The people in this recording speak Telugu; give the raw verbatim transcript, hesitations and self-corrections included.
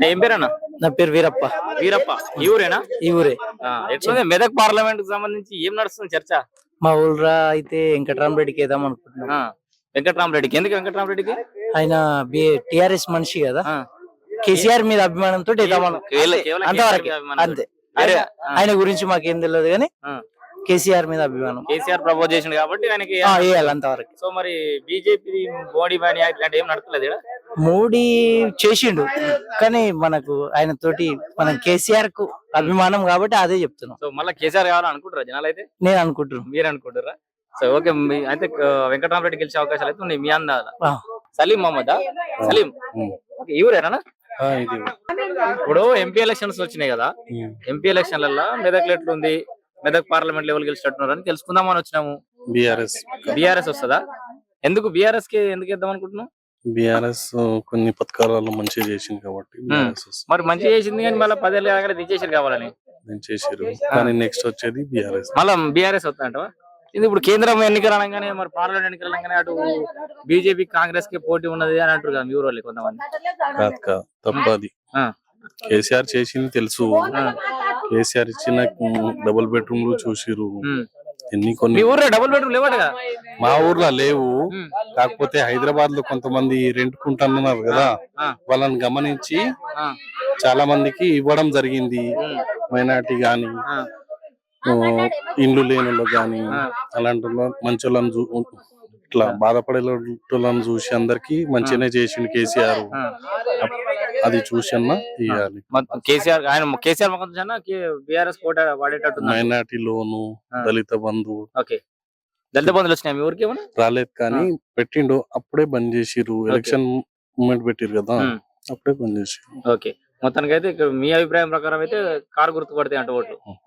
ఏం పేరన్నా? నా పేరు వీరప్ప. వీరప్ప ఈ ఊరేనా? ఈ ఊరే. ఆ, ఎట్లుంది మెదక్ పార్లమెంట్ కు సంబంధించి ఏం నడుస్తుంది చర్చ? మా ఊళ్ళో అయితే వెంకటరామరెడ్డికి వేద్దాం అనుకుంటున్నాం. ఆ, వెంకట్రామరెడ్డికి. ఎందుకు వెంకట్రామరెడ్డికి? ఆయన టిఆర్ఎస్ మనిషి కదా, ఆ, కేసీఆర్ మీద అభిమానంతో వేద్దాం కేవలం- కేవలం అంతవరకు. కేసీఆర్ అభిమానం. అంతే. అరే, ఆయన- ఆయన గురించి మాకేం తెలియదు కానీ ఆ, కేసీఆర్ మీద అభిమానం. కేసీఆర్ ప్రపోజ్ చేసిండు కాబట్టి ఆయనకి ఆ, వేయాలి అంతవరకు. సో మరి బీజేపీ మోడీ బాని ఇట్లాంటి ఏం నడుస్తలేదు ఈడ? మోడీ చేసిండు కానీ మనకు ఆయన తోటి మనం కేసీఆర్ కు అభిమానం కాబట్టి అదే చెప్తున్నాం. సో మళ్ళీ కేసీఆర్ కావాలని అనుకుంటారా జనాలు అయితే? నేను అనుకుంటున్నాను. మీరు అనుకుంటారా? సో ఓకే, మీ- అయితే ఆ, వెంకటరామరెడ్డి గెలిచే అవకాశాలు అయితే ఉన్నాయి మీ అందాల. ఆ. సలీం మహమ్మద్ సలీం ఓకే, ఈ ఊరేనా? ఇప్పుడు ఎంపీ ఎలక్షన్స్ వచ్చినాయి కదా, ఎంపీ ఎలక్షన్లలో మెదక్ ఎట్లుంది, మెదక్ పార్లమెంట్ లెవెల్ గెలిచినట్టున్నారు అని తెలుసుకుందామని వచ్చినాము. బిఆర్ఎస్ బీఆర్ఎస్ వస్తుందా? ఎందుకు బీఆర్ఎస్ కి ఎందుకు ఇద్దాం అనుకుంటున్నాం? బిఆర్ఎస్ కొన్ని పథకాలలో మంచిగా చేసింది కాబట్టి బిఆర్ఎస్ వస్తుంది. మరి మంచిగా చేసింది కానీ మళ్ళీ పదేళ్ళు కాగానే తీసేసారు కావాలని నేను చేసారు కానీ నెక్స్ట్ వచ్చేది బిఆర్ఎస్. మళ్ళీ బీఆర్ఎస్ వస్తుందంటవా? ఇది ఇప్పుడు కేంద్రం ఎన్నికలు అనగానే మరి పార్లమెంట్ ఎన్నికలు అనగానే అటు బీజేపీ కాంగ్రెస్ కి పోటీ ఉన్నది అని అంటారు కదా మీ ఊరు వాళ్ళు కొంతమంది. కాదు కాదు తప్పది. ఆ, కేసీఆర్ చేసింది తెలుసు. కేసీఆర్ ఇచ్చిన డబుల్ బెడ్రూమ్లు చూసిరు ఉమ్. ఎన్ని మీ కొన్ని. ఊర్లో డబుల్ బెడ్రూమ్ లేవట కదా? మా ఊర్లో లేవు, ఉమ్. కాకపోతే హైదరాబాద్ లో కొంతమంది రెంట్ కుంటున్నారు కదా, ఆ, వాళ్ళని గమనించి ఆ, చాలా మందికి ఇవ్వడం జరిగింది. ఉమ్, మైనార్టీ గాని ఆ, ఆ, ఇండ్లు లేని వాళ్ళు గాని ఆ. అలాంటి వాళ్ళ- మంచి వాళ్ళని చూ ఇట్లా బాధపడే వాళ్ళని చూసి అందరికి మంచిగానే చేసిండు కేసీఆర్. ఆ. అది చూసి అన్నా ఇవ్వాలి. మొత్తం కేసీఆర్ ఆయన కేసీఆర్ ముఖం చూసినా బీఆర్ఎస్ కోట వాడేటట్టు. మైనార్టీ లోను, ఆ. దళిత బంధు ఓకే, దళిత బంధువులు వచ్చినాయి మీ ఊరికి ఏమన్నా? రాలేదు కానీ పెట్టిండు. అప్పుడే బంద్ చేసిర్రు. ఎలక్షన్ మూమెంట్ పెట్టిరు కదా, ఉమ్. అప్పుడే బంద్ చేసిర్రు. ఓకే, మొత్తానికి అయితే ఇక్కడ మీ అభిప్రాయం ప్రకారం అయితే కారు గుర్తుపడితే అంటే ఓట్లు.